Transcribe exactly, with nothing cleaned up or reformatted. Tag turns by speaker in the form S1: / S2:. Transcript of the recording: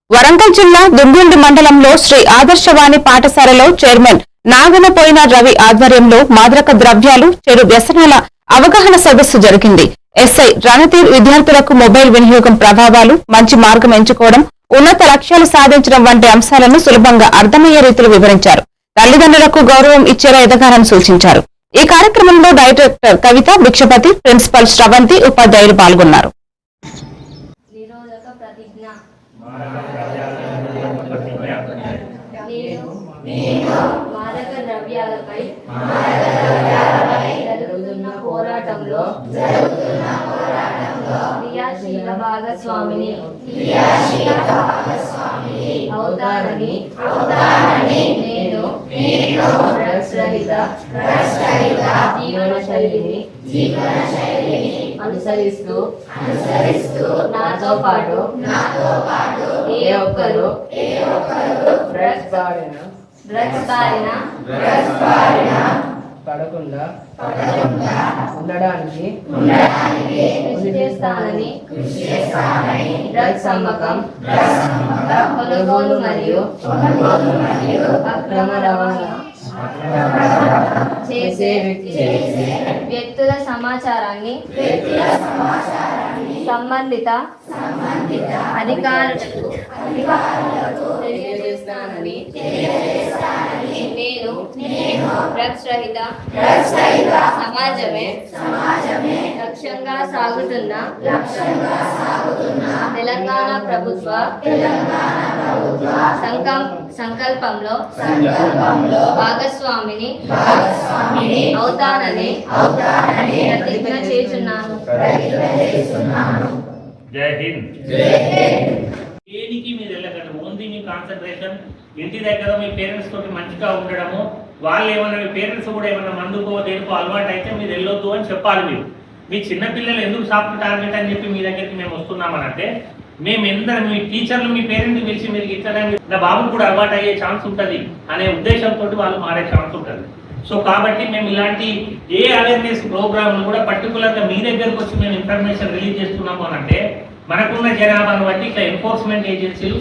S1: వరంగల్ జిల్లా దుంగుండి మండలంలో శ్రీ ఆదర్శవాణి పాఠశాలలో చైర్మన్ నాగనపోయిన రవి ఆధ్వర్యంలో మాదక ద్రవ్యాలు చెడు వ్యసనాల అవగాహన సదస్సు జరిగింది. ఎస్ఐ రణతీర్ విద్యార్థులకు మొబైల్ వినియోగం ప్రభావాలు, మంచి మార్గం ఎంచుకోవడం, ఉన్నత లక్ష్యాలు సాధించడం వంటి అంశాలను సులభంగా అర్థమయ్యే రీతిలో వివరించారు. తల్లిదండ్రులకు గౌరవం ఇచ్చేలా ఎదగాలని సూచించారు. ఈ కార్యక్రమంలో డైరెక్టర్ కవిత, భిక్షపతి, ప్రిన్సిపల్ శ్రవంతి, ఉపాధ్యాయులు పాల్గొన్నారు.
S2: మాదక ద్రవ్యాలపై జరుగుతున్న పోరాటంలో క్రియాశీల భాగస్వామిని అవుతానని నేను డ్రగ్స్ రహిత జీవన శైలిని అనుసరిస్తూ నాతో పాటు ఏ ఒక్కరు డ్రగ్స్ బారిన డ్రగ్స్ బారిన
S3: పడకుండా ఉండడానికి
S2: కృషి చేస్తానని డ్రగ్స్ అమ్మకం, కొనుగోలు మరియు అక్రమ రవాణా చేసే వ్యక్తుల సమాచారాన్ని సంబంధిత అధికారులకు తెలియజేస్తానని నేను డ్రగ్స్ రహిత సమాజమే లక్ష్యంగా సాగుతున్న తెలంగాణ ప్రభుత్వ సంకల్పంలో భాగస్వామిని అవుతానని ప్రతిజ్ఞ చేస్తున్నాను.
S4: జై హింద్. దేనికి మీరు వెళ్ళకండి, ఓన్లీ మీ కాన్సన్ట్రేషన్ ఇంటి దగ్గర మీ పేరెంట్స్ తోటి మంచిగా ఉండడము. వాళ్ళు ఏమన్నా మీ పేరెంట్స్ కూడా ఏమన్నా మందుకో దేనికో అలవాటు అయితే మీరు వెళ్ళొద్దు అని చెప్పాలి. మీరు మీ చిన్నపిల్లలు ఎందుకు సాఫ్ట్ టార్గెట్ అని చెప్పి మీ దగ్గరికి మేము వస్తున్నామనంటే, మేము ఎందరం మీ టీచర్లు మీ పేరెంట్ని పిలిచి మీరు ఇట్లా నా బాబుకు కూడా అలవాటు అయ్యే ఛాన్స్ ఉంటుంది అనే ఉద్దేశంతో వాళ్ళు మారే ఛాన్స్ ఉంటుంది. సో కాబట్టి మేము ఇలాంటి ఏ అవేర్నెస్ ప్రోగ్రాంలు కూడా పర్టికులర్గా మీ దగ్గరకు వచ్చి మేము ఇన్ఫర్మేషన్ రిలీజ్ చేస్తున్నాము అనంటే, మనకున్న జనాభాను బట్టి ఇట్లా ఎన్ఫోర్స్మెంట్ ఏజెన్సీలు